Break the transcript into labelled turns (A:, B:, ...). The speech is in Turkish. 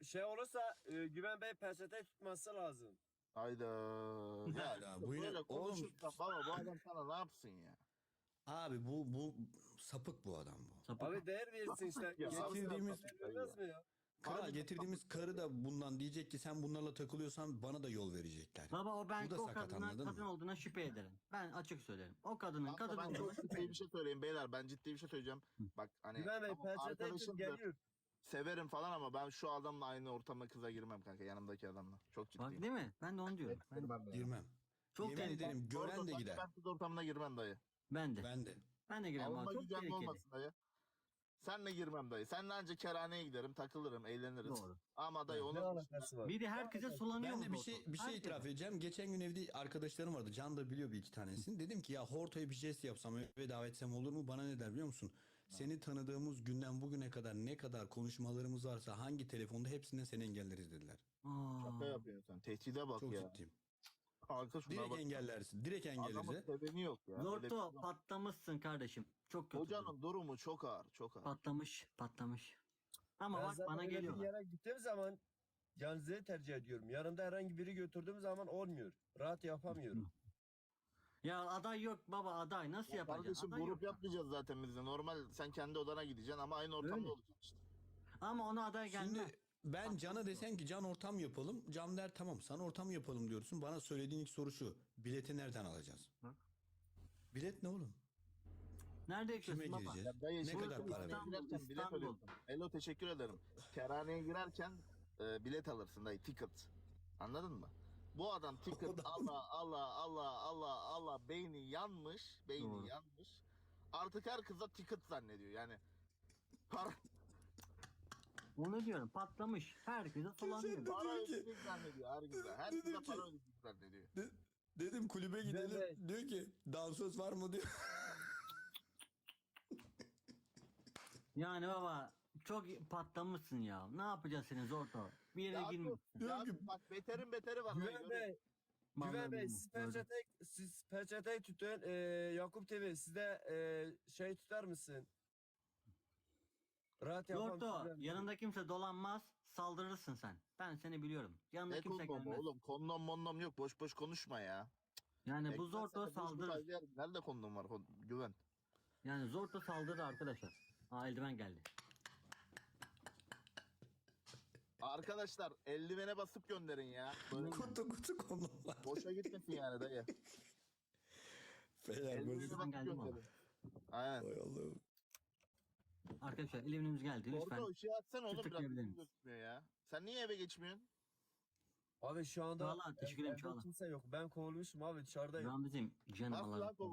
A: şey olursa Güven Bey peçete tutması lazım.
B: Hayda. Ya
C: Hayda,
B: işte
C: bu yine-
B: böyle
C: oğlum-
B: konuşursan baba bu adam sana ne yapsın ya?
C: Abi bu sapık bu adam bu.
D: Sapık.
A: Abi değer versin işte.
B: Ya,
C: getirdiğimiz-
A: Vermez mi ya?
C: Kral
B: Harbiden
C: getirdiğimiz
B: sapık
C: karı da bundan diyecek ki sen bunlarla takılıyorsan bana da yol verecekler.
D: Baba o ben
C: Bu da
D: o
C: sakat,
D: kadına
C: anladın
D: kadın
C: mı?
D: olduğuna şüphe ederim. Ben açık söylerim. O kadının
B: Kanka
D: kadın
B: ben
D: olduğuna
B: çok
D: şüphe
B: ciddi
D: ederim.
B: bir şey söyleyeyim beyler. Ben ciddi bir şey söyleyeceğim. Bak hani
A: Güven Bey
B: tamam,
A: peçete tut
B: arkadaşımdır,
A: geliyor.
B: severim falan ama ben şu adamla aynı ortama kıza girmem kanka, yanımdaki adamla. Çok
D: Bak
B: ciddiyim.
D: değil mi? Ben de onu diyorum. Ben,
B: Girmem ben.
C: Girmem.
D: Çok
C: Yemin
D: tehlikeli.
C: ederim gören de gider.
B: Ben kız ortamına girmem dayı.
D: ben de.
C: Ben de.
D: Ben de giremem.
B: Alınma
D: Çok
B: gücenme
D: tehlikeli.
B: olmasın dayı. Senle girmem dayı. Seninle ancak kerhaneye giderim, takılırım, eğleniriz.
D: Doğru.
B: Ama dayı
A: Ne
B: onun
A: alakası var?
D: Bir de herkese sulanıyor
C: Ben de
D: mu
C: bir
D: Zorto?
C: şey
D: Herkese.
C: itiraf edeceğim. Geçen gün evde arkadaşlarım vardı. Can da biliyor bir iki tanesini. Dedim ki ya Horto'ya bir jest yapsam eve davet etsem olur mu? Bana ne der biliyor musun? Seni tanıdığımız günden bugüne kadar ne kadar konuşmalarımız varsa hangi telefonda hepsinden seni engelleriz dediler.
D: Aa,
B: şaka yapıyorsun sen. Tehdide bak
C: Çok
B: ya.
C: ciddiyim.
B: Kanka şuna
C: Direkt
B: bak.
C: engellersin. Direkt
B: Adamın
C: engelleriz.
B: seveni yok ya. Öyle
D: Zorto
B: bir-
D: patlamışsın kardeşim. Çok kötü.
B: Hocanın durumu çok ağır, çok ağır.
D: Patlamış. Ama
A: Ben
D: bak
A: zaten
D: bana
A: öyle bir
D: geliyorlar.
A: yere gittiğim zaman yalnızlığı tercih ediyorum. Yanımda herhangi biri götürdüğüm zaman olmuyor. Rahat yapamıyorum.
D: Ya aday yok baba aday. Nasıl yapacaksın?
B: Kardeşim
D: Aday
B: grup
D: yok.
B: yapmayacağız zaten biz de. Normal sen kendi odana gideceksin ama aynı ortamda
D: Öyle.
B: olacaksın işte.
D: Ama ona aday gelmez.
C: Şimdi ben Can'a desem ki Can ortam yapalım. Can der tamam sana ortam yapalım diyorsun. Bana söylediğin ilk soru şu. Bileti nereden alacağız?
D: Bak.
C: Bilet ne oğlum?
D: Nerede
C: Kime
D: yaşıyorsun baba?
C: gireceğiz?
B: Dayı
C: Ne
B: şimdi
C: kadar para
D: İstanbul,
C: verelim?
B: girerken bilet
D: İstanbul.
B: alıyorsun. Elo teşekkür ederim. Kerhaneye girerken bilet alırsın dayı, ticket. Anladın mı? Bu adam ticket Allah beyni yanmış.
D: Doğru.
B: Yanmış. Artık her kıza ticket zannediyor yani. Para,
D: Onu diyorum patlamış. Herkese sulanıyor.
B: para ödeyecek zannediyor her kıza. Her
C: Dedim
B: kıza
C: ki-
B: para ödeyecek zannediyor.
C: Dedim kulübe gidelim.
A: Evet.
C: Diyor ki dansöz var mı diyor.
D: Yani baba çok patlamışsın ya. Ne yapacağız senin Zorto? Bir yere
B: Ya,
D: girmişsin.
B: ya bak beterin beteri var. dayı,
A: Güven Bey,
D: Vallahi
A: Güven Bey
D: bilmiyorum.
A: siz peçeteyi tutun. Yakup TV siz de şey tutar mısın? Rahat yapalım.
D: Zorto
A: Güven Bey.
D: yanında kimse dolanmaz saldırırsın sen. Ben seni biliyorum. Yanında
B: Ne
D: kimse
B: kondomu
D: gelmez.
B: oğlum? Kondom mondom yok. Boş boş konuşma ya.
D: Yani bu
B: Ekmek
D: Zorto
B: sepeti, boş boş
D: saldırır.
B: aylar. Nerede kondom var? Güven.
D: Yani Zorto saldırır arkadaşlar. Aa eldiven geldi.
B: Arkadaşlar eldivene basıp gönderin ya. Böyle
C: kutu konular.
B: boşa gitmesin yani dayı.
C: Beyler böyle.
B: Eldivene
D: Ben
B: basıp
D: geldim
B: gönderin. Aynen.
C: Hay Allah'ım.
D: Arkadaşlar eldivenimiz geldi lütfen.
B: Orada ışığı açsana oğlum, biraz
D: tıklayabilir
B: bizim
D: miyiz?
B: gözükmüyor ya. Sen niye eve geçmiyorsun?
A: Abi şu anda
D: Çağla, teşekkür ederim
A: evde
D: Çağla.
A: kimse yok. Ben kovulmuşum abi dışarıdayım.
D: Ramiz'im canım
B: Nasıl
D: Allah'ım.
B: lan